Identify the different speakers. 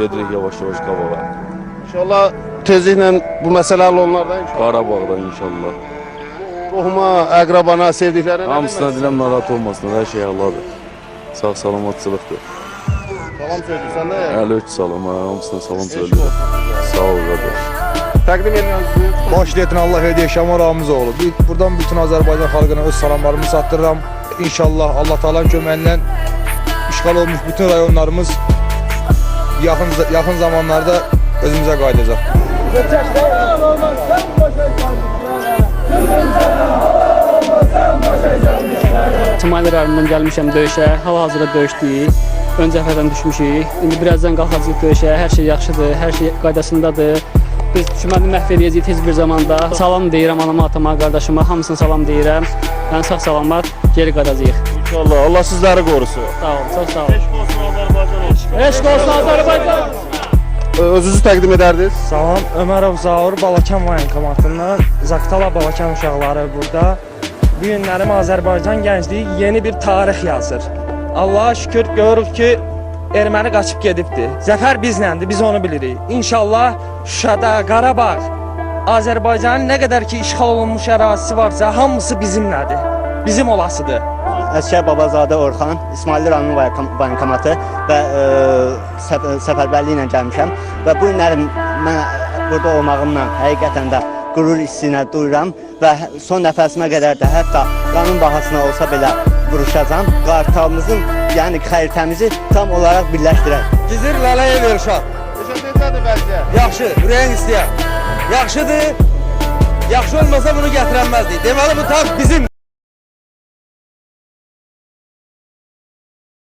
Speaker 1: gedirik yavaş-yavaş qabağa.
Speaker 2: İnşallah tezliklə bu məsələ həll onlardan inşallah.
Speaker 1: Qarabağdan inşallah.
Speaker 2: Qohuma, əqrabana, sevdiklərinə
Speaker 1: Hamısına deyirəm narahat olmasınlar, hər şey Allahdır. Sağ salamatçılıqdır.
Speaker 2: salam söyləyirsən də.
Speaker 1: Əleyk salam, hamısına salam söyləyirəm. Sağ ol qardaş.
Speaker 2: Təqdim edirəm sizi.
Speaker 3: Başlayın Allah hediye Şamal Ramizoğlu. Buradan bütün Azərbaycan xalqına öz salamlarımı çatdırıram. İnşallah Allah Taala'nın köməyindən işğal olmuş bütün rayonlarımız yaxın zamanlarda özümüzə qayıdacaq.
Speaker 4: İsmail rayonundan gəlmişəm döyüşə, hal-hazırda döyüşdük. Ön cəbhədən düşmüşük. İndi birazdan qalxacağıq döyüşə. Hər şey yaxşıdır, hər şey qaydasındadır. Biz düşməni məhv edəcəyik tez bir zamanda. Salam deyirəm anama, atama, qardaşıma, hamısına salam deyirəm. Yəni sağ salamat geri qayıdacağıq.
Speaker 2: İnşallah Allah sizləri qorusun.
Speaker 4: Sağ olun, çox sağ olun. Eşq olsun Azərbaycan.
Speaker 2: Özünüzü təqdim edərdiniz.
Speaker 5: Salam, Ömərov Zaur, Balakan Vayankomatından, Zaqtala Balakan uşaqları burada. Bu günlərim Azərbaycan gəncliyi yeni bir tarix yazır. Allah'a şükür görürük ki, erməni qaçıb gedibdir. Zəfər bizləndir, biz onu bilirik. İnşallah Şuşada, Qarabağ, Azərbaycanın nə qədər ki işğal olunmuş ərazisi varsa, hamısı bizimlədir, bizim olasıdır.
Speaker 6: Əskər Babazadə Orxan, İsmail rayonu Vayankomatı və səfərbərliyi ilə gəlmişəm. Və bu günlərim mən burada olmağımla həqiqətən də qürur hissinə duyuram və son nəfəsimə qədər də hətta qanun bahasına olsa belə vuruşacağam. Qartalımızın, yəni xəritəmizi tam olaraq birləşdirək.
Speaker 3: Gizir Lələyev Elşad.
Speaker 2: Necədir vəziyyət?
Speaker 3: Yaxşı, ürəyin istəyər. Yaxşıdır. Yaxşı olmasa bunu gətirənməzdik. Deməli bu taq bizim.